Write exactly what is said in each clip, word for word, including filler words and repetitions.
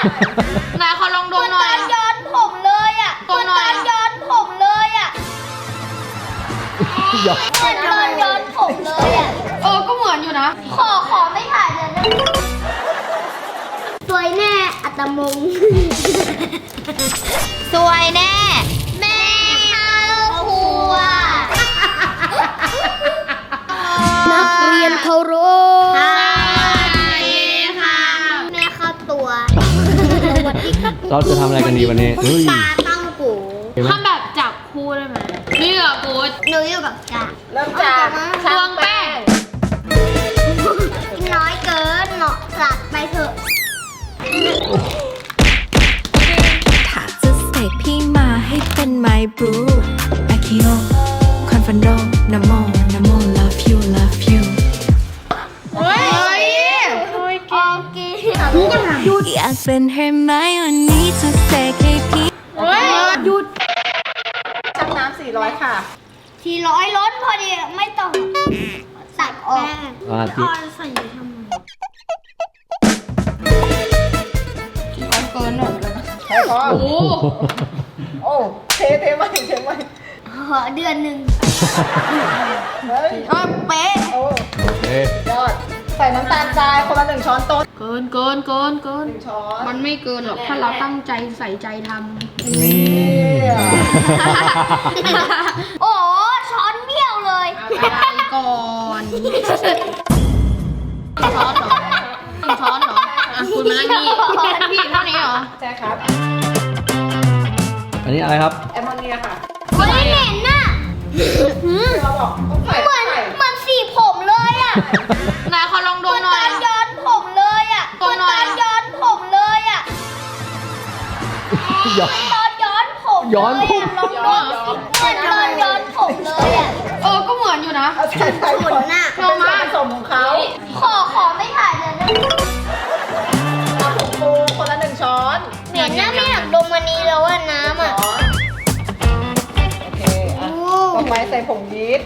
นายขอลองดมหน่อยตอนย้อนผมเลยอ่ะดมหน่อยตอนย้อนผมเลยอ่ะหยอกเหมือนตอนย้อนผมเลยอ่ะเออก็เหมือนอยู่นะขอขอไม่ถ่ายเลยนะสวยแน่อัตมงสวยแน่แม่เข้าครัวนักเรียนเคารพแม่เข้าตัวสวัสดีครับเราจะทำอะไรกันดีวันนี้เฮ้ยปลาตั้งกูเห็นไหมทำแบบจับคู่ได้ไหมนี่เหรอกูดหนูอยู่กับจ่าเริ่มจากตวงแป้งน้อยเกินเนาะสัตว์ไปเถอะถ้าจะเสกพี่มาให้เป็น my boo อาคิโอคอนฟันโดนโมนโม love you love you เฮ้ยโอเคอยากเป็นเฮอร์ไมโอนี่จะเสกให้พี่เฮ้ยหยุดชักน้ำสี่ร้อยค่ะทีร้อยล้นพอดีไม่ต้องตัดออกอ่าที่ใส่ทำไมเกินหน่อยเลยนะใช่พอโอ้โหโอ้เทเทใหม่เทใหม่ขอเดือนหนึ่งเฮ้ยเออเป๊ะโอ้โอเคยอด ใส่น้ำตาลทรายคนละหนึ่งช้อนโต๊ะเกินเกินเกินเกินหนึ่งช้อนมันไม่เกินหรอกถ้าเราตั้งใจใส่ใจทนี่โอ้ช้อนเบี้ยวเลยำไปก่อนช้อนเหรอหนึ่งช้อนเหรออ่ะคุณมานั่งนี่พี่เท่านี้เหรอใช่ครับอันนี้อะไรครับแอมโมเนียค่ะเฮ้ยเหม็นน่ะเราบอกต้องใส่เหมือนใส่เหมือนสีผมเลยอ่ะนายขอลองดเหมมือนหน่ตอยอนย้อนผมเลยอ่ะดมหน่อยเหมือนตอนย้อนผมเลยอ่ะหยอกตอนย้อนผมย้อนผมลองดูเหมือนตอนย้อนผมเลยอ่ะเออก็เหมือนอยู่นะเอาใส่ใส่ขนน่ะเป็นส่วนผสมของเขาขอขอไม่ถ่ายเลยนะเอาผงฟูคนละหนึ่งช้อนเหม็นน่ะไม่อยากดมวันนี้แล้วอ่ะน้ำอ่ะช้อนโอเคอ่ะต่อไปใส่ผงยีสต์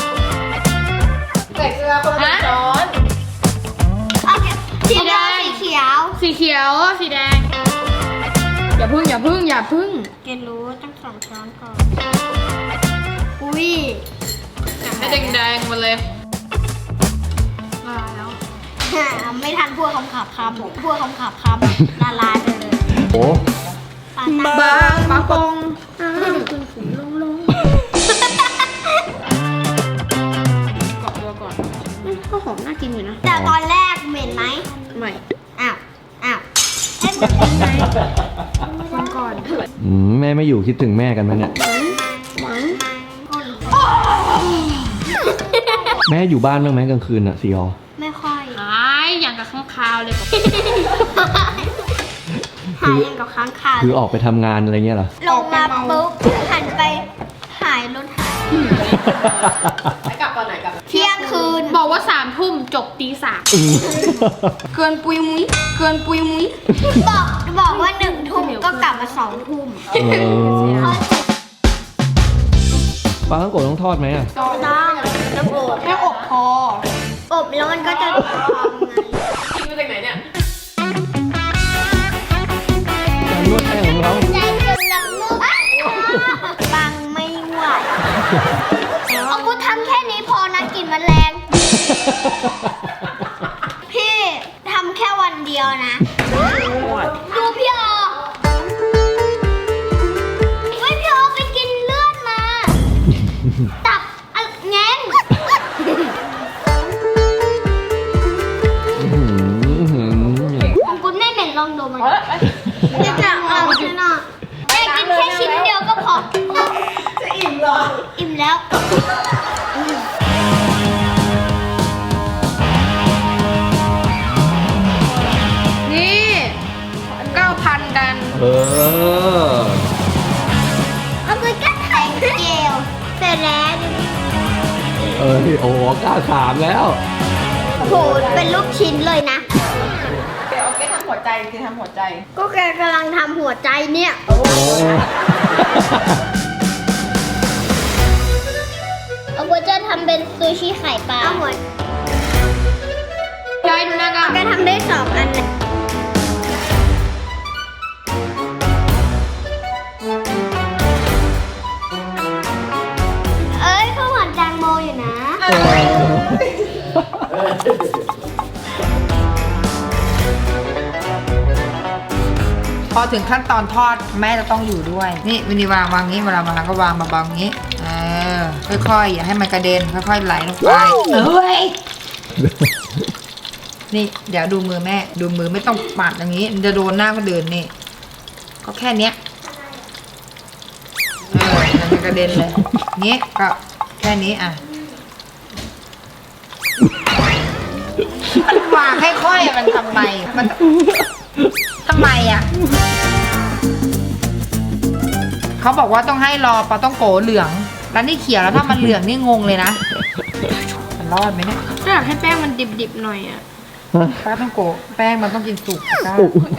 ใส่เกลือคนละหนึ่งช้อนโอเคสีแดงสีเขียวสีเขียวสีแดง อย่าพึ่งอย่าพึ่งอย่าพึ่งเกรู้ตั้งสองช้อนก่อน อุ้ยให้แดงๆมาเลยมาแล้วไม่ทันพวกคำขับคำพวกคำขับคำละลายไปเลยโอ้ปาตาบางบางปงเกาะตัวก่อนก็หอมน่ากินอยู่นะแต่ตอนแรกเหม็นไหมใหม่อ้าว อ้าวเอ๊ะเหม็นไหมฟังก่อนอืมแม่ไม่อยู่คิดถึงแม่กันไหมเนี่ย แม่อยู่บ้านบ้างไหมกลางคืนอ่ะซีออไม่ค่อยหายอย่างกับข้างคาวเลยกับหายอย่างกับค้างคาวคือออกไปทำงานอะไรเงี้ยเหรอลงมาปุ๊บหันไปหายรถหายไปกลับตอนไหนกลับเที่ยงคืนบอกว่าสามทุ่มจบตีสามเกินปุยมุ้ยเกินปุยมุ้ยบอกบอกว่าหนึ่งทุ่มก็กลับมาสองทุ่มเออปลาทั้งโกะต้องทอดไหมอ่ะต้องต้องอบแค่อบพออบแล้วมันก็จะพองไงกินมาจากไหนเนี่ยการนวดแป้งของเราใจจนละมุกปังไม่ไหวเอากูทำแค่นี้พอนะกลินมันแรง พี่ทำแค่วันเดียวนะ ดูพี่ออเฮ้ยพี่ออไปกินเลือดมา ตับอะแง้งอื้อหืออื้อหือของคุณไม่เหม็นลองดูมันจะจะเอาใช่ไหมแม่กินแค่ชิ้นเดียวก็พอจะอิ่มเหรออิ่มแล้วนี่เก้าพันกันเออเอาไปกัดไข่เจียวเสร็จแล้วเออโอ้โหกล้าถามแล้วโหเป็นลูกชิ้นเลยนะเดี๋ยวเอาไปทำหัวใจคือทำหัวใจก็แกกำลังทำหัวใจเนี่ยโอ้เอาก็จะทำเป็นซูชิไข่ปลาเอาหัวยายดูหน้ากันแกทำได้สองอันเลยพอถึงขั้นตอนทอดแม่จะต้องอยู่ด้วย นี่วินีวางวางงี้เวลาวางก็วางเบาๆอย่างนี้เออค่อยๆอย่าให้มันกระเด็นค่อยๆไหลลงไปเอ้ยนี่เดี๋ยวดูมือแม่ดูมือไม่ต้องปัดอย่างนี้มันจะโดนหน้าก็เดินนี่ก็แค่เนี้ยเออมันกระเด็นเลยงี้ก็แค่นี้อ่ะมันวางค่อยๆมันทำไมมันทำไมอ่ะเขาบอกว่าต้องให้รอปลาต้องโกเหลืองแล้วนี่เขียวแล้วถ้ามันเหลืองนี่งงเลยนะมันรอดไหมเนี่ยถ้าอยากให้แป้งมันดิบๆหน่อยอ่ะปลาต้องโกแป้งมันต้องกินสุกจ้า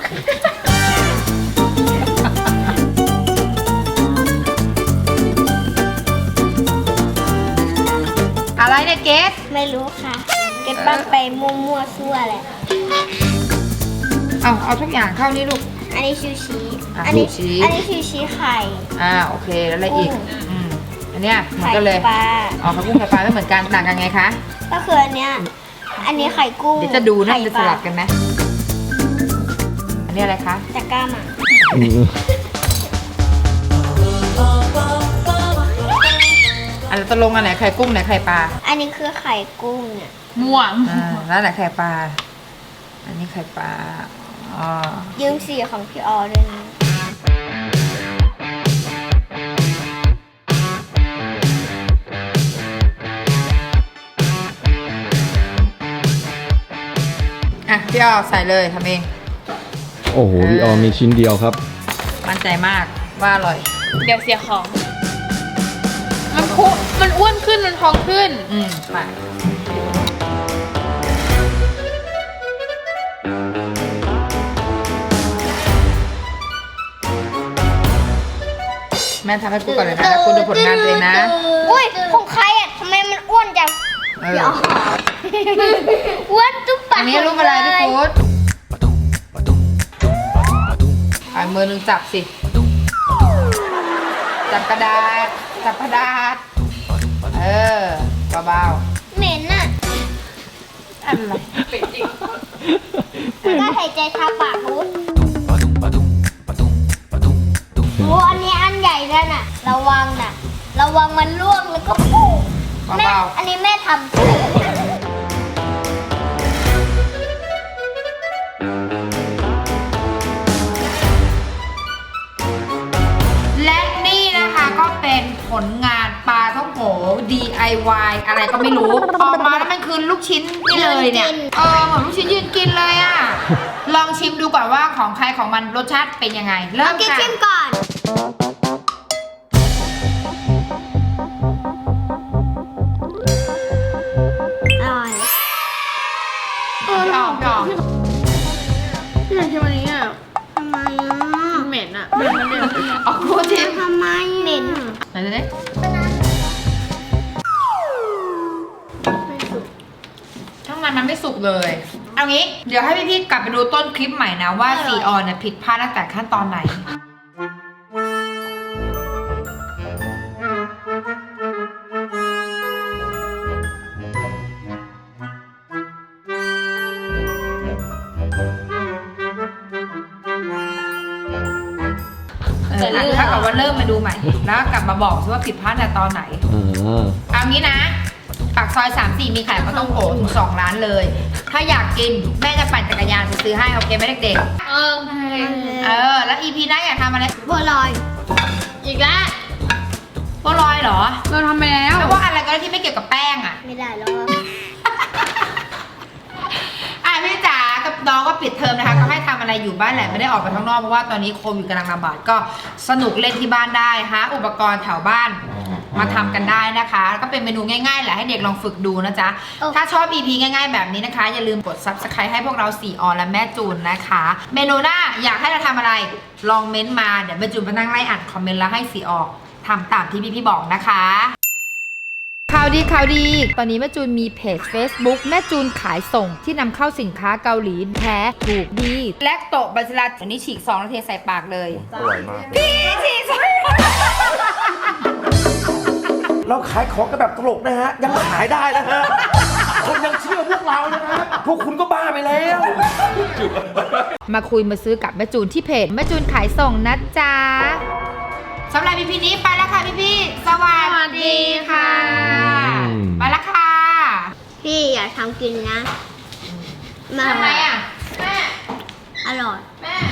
อะไรเนี่ยเกสไม่รู้ค่ะ เก็บบ้างไปมั่วๆซั่วแหละเอาเอาทุกอย่างเข้านี่ลูกอันนี้ชูชีอ่ะอันี้ชูชีอันนี้ชูชีไข่อ่าโอเคแล้วอะไรอีกอืมอันเนี้ยเหมือนกันเลยไข่ปลาอ๋อข้าวกุ้งไข่ปลาไม่เหมือนกันต่างกันไงคะก็คืออันเนี้ย อันนี้ไข่กุ้งเดี๋ยวจะดูนะไข่จะปสลาลับกันไหมอันนี้อะไรคะจะกล้ามาอืมอันตกลงอันไหนไข่กุ้งไหนไข่ปลาอันนี้คือไข่กุ้งเนี่ยม่วงอ่าแล้วไหนไข่ปลาอันนี้ไข่ปลาอ๋อยืมสีของพี่ออด้วยนะอ่ะพี่ออใส่เลยทำเองโอ้โหพี่ออมมีชิ้นเดียวครับมั่นใจมากว่าอร่อยเดี๋ยวเสียของ มันคุมันอ้วนขึ้นมันพองขึ้นอืมไปแม่ทำให้กูก่อนเลยนะแล้วกูดูผลงานตัวเองนะอุ้ยของใครอ่ะทำไมมันอ้วนจังเออพี่อออ้วนตุ๊บปะอันนี้รูปอะไรพี่กู๊ดเอามือหนึ่งจับสิ จับกระดาษ จับกระดาษ เออเบาเหม็นอ่ะๆอะไรก็หายใจทาปากรู้โอ้อันนี้อันใหญ่ด้วยน่ะ ระวังน่ะ ระวังมันร่วงแล้วก็ปุ๊บแม่เบาอันนี้แม่ทำและนี่นะคะก็เป็นผลงานปลาท่องโก ดี ไอ วาย อะไรก็ไม่รู้ ออกมาแล้วมันคือลูกชิ้นนี่เลยเนี่ย เออเหมือนลูกชิ้นยืนกินเลยอ่ะ ลองชิมดูก่อนว่าของใครของมันรสชาติเป็นยังไง เริ่มกินค่ะชิมก่อน อร่อยพี่ออกพี่ออกพี่อยากชิมอันนี้อ่ะทำไมอ่ะเหม็นอ่ะเหม็นมันเหม็นออกพูดชิมทำไมเหม็นไหนดูดิข้างในมันไม่สุกเลย เอางี้ เดี๋ยวให้พี่ๆกลับไปดูต้นคลิปใหม่นะว่าซีออนเนี่ยผิดพลาดตั้งแต่ขั้นตอนไหน เอออ่ะถ้ากับว่าเริ่มมาดูใหม่ แล้วกลับมาบอกซิว่าผิดพลาดแต่ตอนไหนอ่าเอางี้นะ ปากซอย สามสี่ มีขายข้าวต้มโขถึงสองร้านเลย ถ้าอยากกินแม่จะปั่นจักรยานไปซื้อให้ โอเคไหมเด็กเออๆ เออ แล้ว อี พี หน้าอยากทำอะไรบัวลอยอีกแล้วบัวลอยเหรอเราทำไปแล้วไม่ว่าอะไรก็ได้ที่ไม่เกี่ยวกับแป้งอ่ะไม่ได้หรอกอ่ะพี่จ๋ากับน้องก็ปิดเทอมนะคะ ก็ให้ทำอะไรอยู่บ้านแหละ ไม่ได้ออกไปข้างนอกเพราะว่าตอนนี้โควิดกำลังระบาดก็สนุกเล่นที่บ้านได้หาอุปกรณ์แถวบ้านมาทำกันได้นะคะ ก็เป็นเมนูง่ายๆแหละให้เด็กลองฝึกดูนะจ๊ะ ถ้าชอบ อี พี ง่ายๆแบบนี้นะคะ อย่าลืมกด ซับสไครบ์ ให้พวกเราสี่ออนและแม่จูนนะคะ เมนูหน้าอยากให้เราทำอะไรลองเม้นต์มาเดี๋ยวแม่จูนมานั่งไล่อ่านคอมเมนต์แล้วให้สี่ออกทำตามที่พี่ๆบอกนะคะข่าวดีข่าวดี ตอนนี้แม่จูนมีเพจ Facebook แม่จูนขายส่งที่นำเข้าสินค้าเกาหลีแท้ถูกดี และโตะบัสลาวันนี้ฉีกซองแล้วเทใส่ปากเลยอร่อยมากพี่ฉีกซองเราขายของกันแบบตลกนะฮะ ยังขายได้นะฮะ ขคนยังเชื่อพวกเรานะครับพวกคุณก็บ้าไปแล้วมาคุยมาซื้อกับแม่จูนที่เพจแม่จูนขายส่งนะจ๊ะสำหรับพี่พีนี้ไปแล้วค่ะพี่พี่สวัสดีค่ะอืมไปแล้วค่ะพี่อย่าทำกินนะทำไมอ่ะแม่อร่อยแม่